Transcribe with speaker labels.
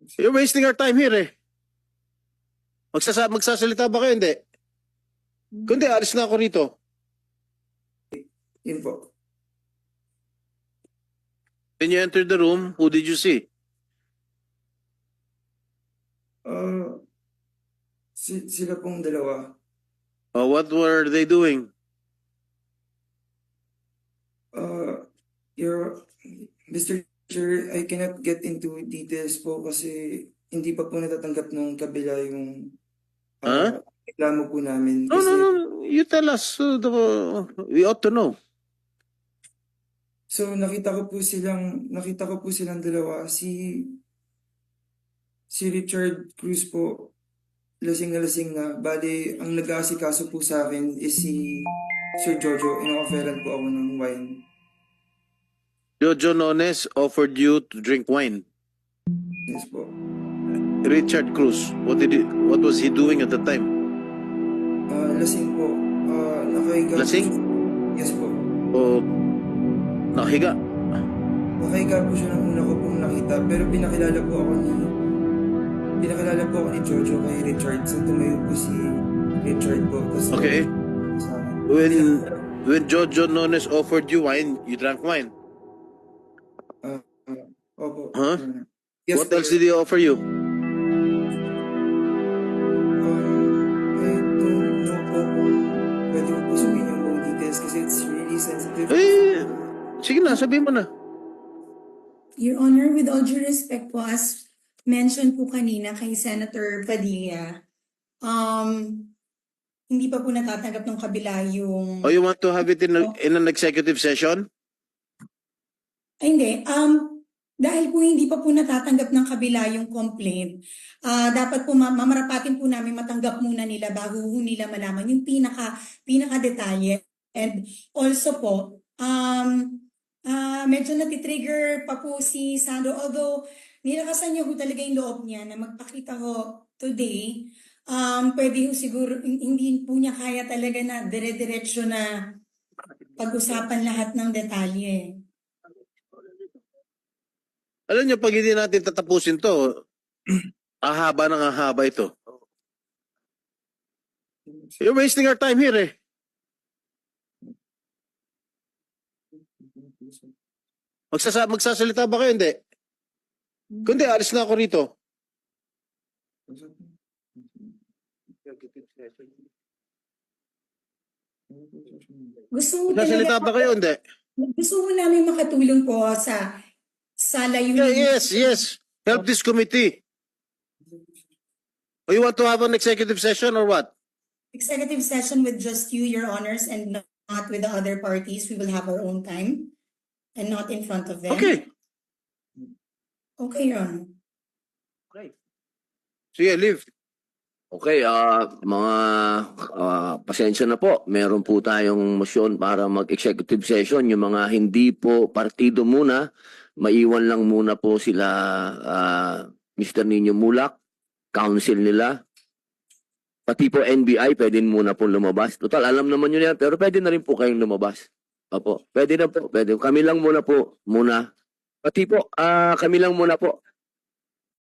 Speaker 1: You're wasting our time here eh. Magsasalita ba kayo? Hindi. Kundi alis na ako rito.
Speaker 2: Yun po.
Speaker 1: When you entered the room, who did you see?
Speaker 2: Sila pong dalawa.
Speaker 1: What were they doing?
Speaker 2: Mr. Chair, I cannot get into details po kasi hindi pa po natatanggap ng kabila yung reklamo po namin.
Speaker 1: No,
Speaker 2: Kasi,
Speaker 1: no, no. You tell us. We ought to know.
Speaker 2: So nakita ko po silang dalawa. Si Richard Cruz po, lasing na. Bali, ang nag-aasikaso po sa akin is si Sir Jojo. Ino-offeran po ako ng wine.
Speaker 1: Jojo Nones offered you to drink wine.
Speaker 2: Yes po.
Speaker 1: Richard Cruz, what was he doing at the time?
Speaker 2: Lasing po. Nakahiga.
Speaker 1: Lasing?
Speaker 2: Yes po.
Speaker 1: O nakahiga?
Speaker 2: Nakahiga po siya nung una ko pong nakita. Pero pinakilala po ako ni Jojo kay Richard. So tumayo po si Richard po. Tapos,
Speaker 1: Okay. When Jojo Nones offered you wine, you drank wine.
Speaker 2: Opo.
Speaker 1: Huh?
Speaker 2: Yes,
Speaker 1: What else did he offer you?
Speaker 2: I don't know po kung pwede mo po sabihin yung buong details kasi it's really sensitive.
Speaker 1: Sige na, sabihin mo na.
Speaker 3: Your Honor, with all due respect po, as mentioned po kanina kay Senator Padilla, hindi pa po natatanggap ng kabila yung...
Speaker 1: You want to have it in an executive session?
Speaker 3: Ay, hindi. Dahil po hindi pa po natatanggap ng kabila yung complaint, dapat po mamarapatin po namin matanggap muna nila bago nila malaman yung pinaka-detalye. And also po, medyo natitrigger pa po si Sandro, although nilakasan niya po talaga yung loob niya na magpakita ho today, pwede ho siguro, hindi po niya kaya talaga na dire-diretso na pag-usapan lahat ng detalye.
Speaker 1: Alam niyo, pag hindi natin tatapusin to, ahaba ng ahaba ito. You're wasting our time here eh. Magsasalita ba kayo? Hindi. Kundi alis na ako rito. Magsasalita ba kayo? Hindi.
Speaker 3: Gusto mo namin makatulong po sa layunin.
Speaker 1: Yes. Help this committee. You want to have an executive session or what?
Speaker 3: Executive session with just you, Your Honors, and not with the other parties. We will have our own time and not in front of them.
Speaker 1: Okay.
Speaker 3: Okay, Your Honor.
Speaker 1: Sige, leave.
Speaker 4: Okay, mga pasensya na po. Meron po tayong motion para mag-executive session. Yung mga hindi po partido muna, maiwan lang muna po sila Mr. Nino Mulak, council nila. Pati po NBI, pwede muna po lumabas. Total, alam naman yun yan, pero pwede na rin po kayong lumabas. Opo, pwede na po. Pwede. Kami lang muna po, muna. Pati po, kami lang muna po.